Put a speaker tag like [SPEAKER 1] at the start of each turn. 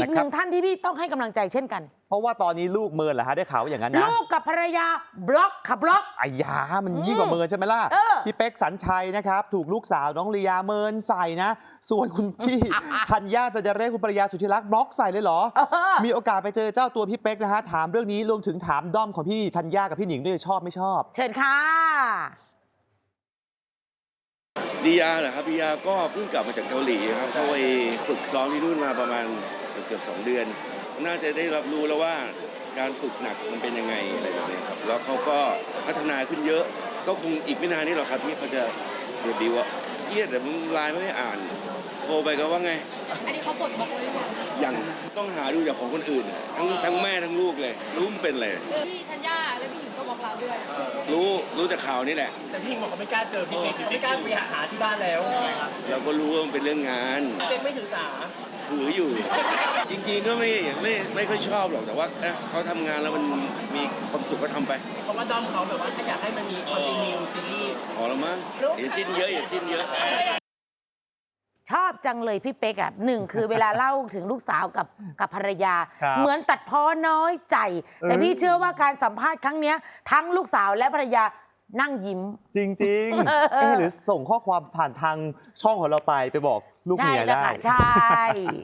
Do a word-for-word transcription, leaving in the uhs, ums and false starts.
[SPEAKER 1] กหนึ่งท่านที่พี่ต้องให้กำลังใจเช่นกัน
[SPEAKER 2] เพราะว่าตอนนี้ลูกเมินเหรอฮะได้ข่าวอย่างนั้นนะ
[SPEAKER 1] ลูกกับภรรยาบล็อกขับล็อก
[SPEAKER 2] อายามันยิ่งกว่าเมินใช่ไหมล่ะพี่เป๊กสัญชัยนะครับถูกลูกสาวน้องลียาเมินใส่นะส่วนคุณพี่ ธัญญาตะเจเรศคุณภรรยาสุธิรักบล็อกใส่เลยเหรอมีโอกาสไปเจอเจ้าตัวพี่เป๊กนะฮะถามเรื่องนี้รวมถึงถามด้อมของพี่ธัญญากับพี่หนิงด้วยชอบไม่ชอบ
[SPEAKER 1] เชิญค่ะ
[SPEAKER 3] ลียาเหรอครับลียาก็เพิ่งกลับมาจากเกาหลีครับเขาไปฝึกซ้อมที่นู่นมาประมาณเกือบสองเดือนน่าจะได้รับรู้แล้วว่าการฝึกหนักมันเป็นยังไงอะไรแบบนี้ครับแล้วเขาก็พัฒนาขึ้นเยอะก็คงอีกไม่นานนี้หรอกครับที่เขาจะเดบิวต์เครียดแต่ไลน์ไม่ได้อ่านโทรไปก็ว่าไง
[SPEAKER 4] อันนี้เขาปลดบล็อกเลยหรือ
[SPEAKER 3] ยังยังต้องหาดูจากของคนอื่นทั้งทั้งแม่ทั้งลูกเลยรู้มันเป็นอะไร
[SPEAKER 4] พี่ธัญญาและพี่หญิงก็บล็อกเราด้วย
[SPEAKER 3] รู้รู้จากข่าวนี่แหละ
[SPEAKER 5] แต่พี่หญิงบอกเขาไม่กล้าเจอพี่เป๊กไม่กล้าไปหาที่บ้านแล้ว
[SPEAKER 3] เราก็รู้ว่ามันเป็นเรื่องงาน
[SPEAKER 5] พี่เป๊กไม่ถือสา
[SPEAKER 3] ถืออยู่ จริงๆก็ไม่ไม่ไม่ค่อยชอบหรอกแต่ว่าเขาทำงานแล้วมันมีความสุขก็ทำไป
[SPEAKER 5] เพราะว่าด้อมเขาแบบว่าถ้าอยากให้มันมีคอนติเนียซีรีส์
[SPEAKER 3] พอแล้วมั้งอย่าจิ้นเยอะอย่าจิ้นเยอะ
[SPEAKER 1] ชอบจังเลยพี่เป๊กอ่ะหนึ่งคือเวลาเล่าถึงลูกสาวกับกับภรรยาเหมือนตัดพ้อน้อยใจแต่พี่เชื่อว่าการสัมภาษณ์ครั้งนี้ทั้งลูกสาวและภรรยานั่งยิ้ม
[SPEAKER 2] จริงๆเอ๊ะหรือส่งข้อความผ่านทางช่องของเราไปไปบอกลูกเมียได้
[SPEAKER 1] ใช่